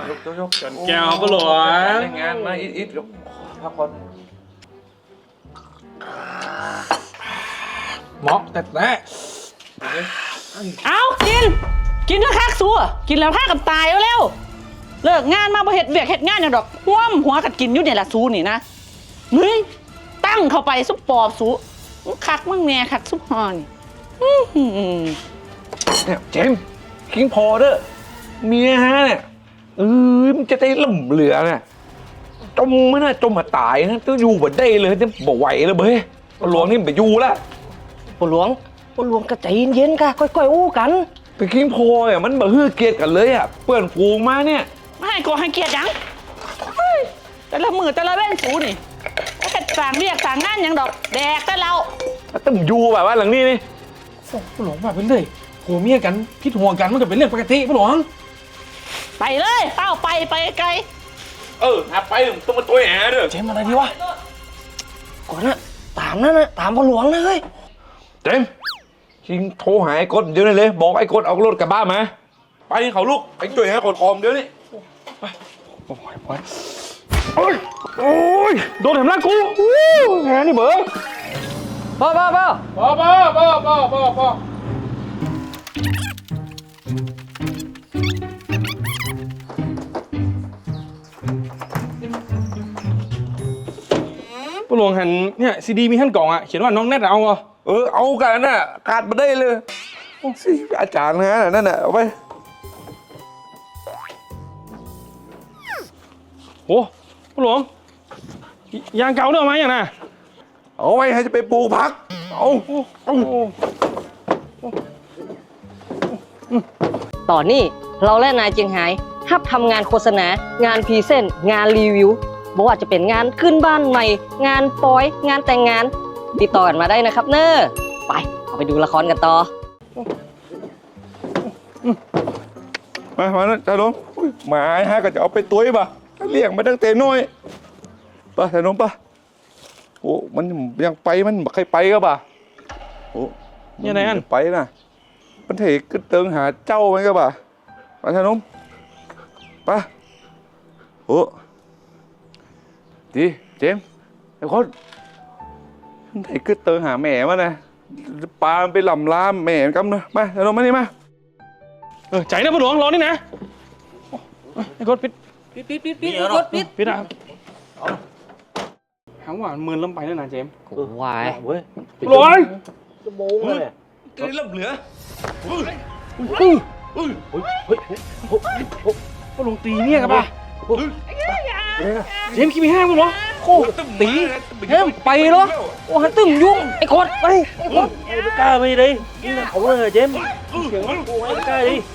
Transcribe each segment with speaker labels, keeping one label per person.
Speaker 1: ยก
Speaker 2: จนแก้วก็หลวง
Speaker 1: งานมาอิดพักผ่อน
Speaker 2: เหมาะแต่
Speaker 3: เอากินแล้วคักซัวกินแล้วพากันตายแล้วเลิกงานมาบ่เฮ็ดเวียกเฮ็ดงานอย่างดอกห่วมหัวกัดกินอยู่เนี่ยละซูนี่นะเฮ้ยตั้งเข้าไปซุปปอบซูคักมั่งแน่คักซุปฮอนี่
Speaker 1: เนี่ยเจมคิงพอเด้อเมียฮะเนี่ยมันจะได้ล่มเหลือเนี่ยจมไม่น่าจมมาตายนะต้องอยู่บ่ได้เลยจะบ่ไหวเลยเบ้ยหลวงนี่ไปอยู่ละ
Speaker 4: ปหลวงก็ใจเย็นๆค่ะค่อยๆอู้กัน
Speaker 1: แต่คิงพอเนี่ยมันบ่ฮื้อเกียรติกันเลยอ่ะเปื่อนฟูงมาเนี่ย
Speaker 3: ไม่ให้โกให้เกียรติยังแต่ละมือแต่ละเว้นซูนี่แค่สั่งเรียกสั่งงานยังดอกแดกแต่เรา
Speaker 1: ต้องอยู่แบบว่าหลังนี้นี่
Speaker 2: ปหลวงมาเป็นเลยผัวเมียกันพิษหัวกันมันก็เป็นเรื่องปกติปหลวง
Speaker 3: ไปเลยเต้าไปไกล
Speaker 1: หาไปต้องมาตัวแหเด้อ
Speaker 2: เจมอะไรดีวะ
Speaker 4: ก่อนนะตามนั่นนะตามปหลวงนะเฮ้ย
Speaker 1: เจมชิงโทรหาไอ้กดเดี๋ยวนี้เลยบอกไอ้กดเอารถกลับบ้านมาไปเขาลูกไปช่วยหากดคอมเดี๋ยวนี้
Speaker 2: ไปโอ้ยโดนแถมร่างกูแหนี่เบ้อ
Speaker 4: พ่อ
Speaker 2: ปหลวงหันเนี่ยซีดีมีท่านกล่องอ่ะเขียนว่าน้องแนทเอาเหรอ
Speaker 1: เอากันน่ะขาดมาได้เลยสิอาจารย์นะนั่นน่ะเอาไป
Speaker 2: โอ้ปหลวงยางเก่าเรื่องไหมอย่างน่ะ
Speaker 1: เอาไว้ให้จะไปปลูกผัก
Speaker 4: ตอนนี้เราและนายเจียงไฮ้ฮับทำงานโฆษณางานพรีเซนต์งานรีวิวบอกว่าจะเป็นงานขึ้นบ้านใหม่งานปอยงานแต่งงานติดต่อกันมาได้นะครับเนอะไปดูละครกันต่อ
Speaker 1: มานะจ่าลงหมาฮะก็จะเอาไปตุ้ยป่ะเลี้ยงมาตั้งแต่น้อยป่ะจ่าลงป่ะโอ้มันยังไปมันใครไปก็ป่ะโอ้
Speaker 2: ยังไงอัน
Speaker 1: ไปนะมันเถกึเติงหาเจ้าไหมก็ป่ะป่ะจ่าลงป่ะโอ้ดีเจมไอ้คนไหนก็เติงหาแม่มานะปลาไปหล่ำลามแม่กันนะมาเดี๋ยวเรามานี่มา
Speaker 2: ใจนะพ่อหลวงรอนี่นะไอ้กดปิดอ่ะหางว่ามือล้มไปแล้วนะเจม
Speaker 4: วาย
Speaker 2: เว้ยหลวง
Speaker 4: จะโมงเลย
Speaker 1: กระดิ่งเหลือ
Speaker 2: พ่อหลวงตีเนี่ยกันป่ะเจมคิดไม่ห้ามกูเหรอโคตรตี
Speaker 4: เฮ้ยไปเหรอโอ้หันตึ้มยุ่งไอ้คนไปไอ้คน
Speaker 2: ไอ้กล้าไปดินี่นะเขาเลยเจมเสียงมันกูไอ้กล้าดิ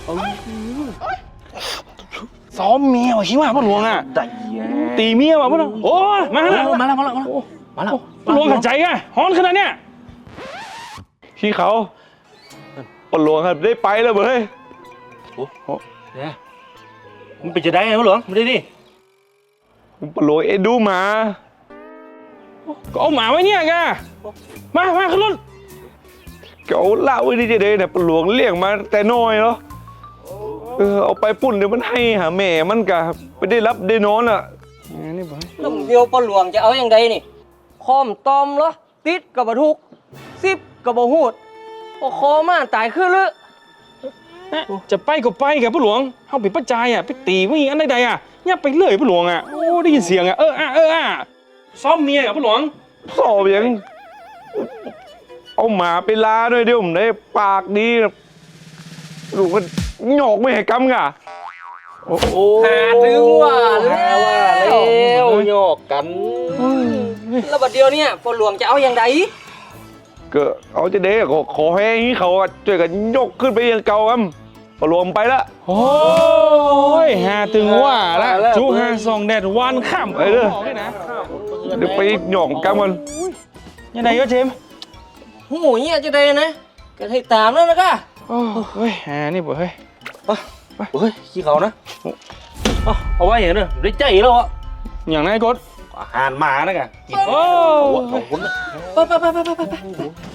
Speaker 2: ซ้อมเมียว่ะชิว่าพ่อหลวงอ่ะตีเมียว่ะพ่อหลวงโอ้มาแล้วพ่อหลวงขัดใจไงฮ้อนขนาดเนี้ย
Speaker 1: พี่เขาพ่อหลวงครับได้ไปแล้วเว้ย
Speaker 2: โอ้เนี่ยมันเป็นจะได้ไงพ่อหลวงไม่ได้ดิ
Speaker 1: พ่อหลวงเอ็ดดูหมา
Speaker 2: ก็เอาหมาไว้เนี่ยแกมาขึ้นรถ
Speaker 1: ก็เอาเหล้าไว้ดีเจเนี่ยพ่อหลวงเลี้ยงมาแต่น้อยเนาะเอาไปปุ่นเดี๋ยวมันให้หาแม่มันกะไปได้รับได้นอนอ่ะ
Speaker 4: นี่บ่ต้มเดียวปหลวงจะเอาอย่างใดนี่คอมตอมเหรอติดกับบทุกซิบกับบหูดพอคอมาตายขึ้นเลย
Speaker 2: จะไปก็ไปกับพ่อหลวงเขาเป็นป้าจายอ่ะไปตีไม่อันใดอ่ะเนี่ยไปเลยพ่อหลวงอ่ะโอ้ได้ยินเสียงอ่ะซ้อมเมียกับพ่อหลวง
Speaker 1: ซ้อมยังเอาหมาไปลาด้วยเดี๋ยวผมได้ปากดีลูกมันหยอกไม่ให้กำกะ
Speaker 4: โอ้หาถึงว่าแล้วหยอกกันแล้วบัดเดียวเนี่ยฝนหลวงจะเอาอย่างใด
Speaker 1: ก็เอาจะเด้ก็ขอให้เขาช่วยกันยกขึ้นไปยังเก่าครับฝนหลวงไปละ
Speaker 2: โอ้ยหาถึงว่าละจุหาส่องแดดวันค่ำ
Speaker 1: เด้อเดี๋ยวไปหยอกกำกัน
Speaker 2: ยังไงก็เจม
Speaker 4: หูเนี่ยจะได้นะก็ให้ตามแล้วนะก้า
Speaker 2: เฮ้ยนี่บ่เฮ้ย
Speaker 4: เฮ้ยขี้เขานะเอาไว้อย่างนี้ได้ใจแล้วอ่ะ
Speaker 2: อย่างนั้นกด
Speaker 4: อาหารหมานะกัน
Speaker 2: โอ้
Speaker 4: ไป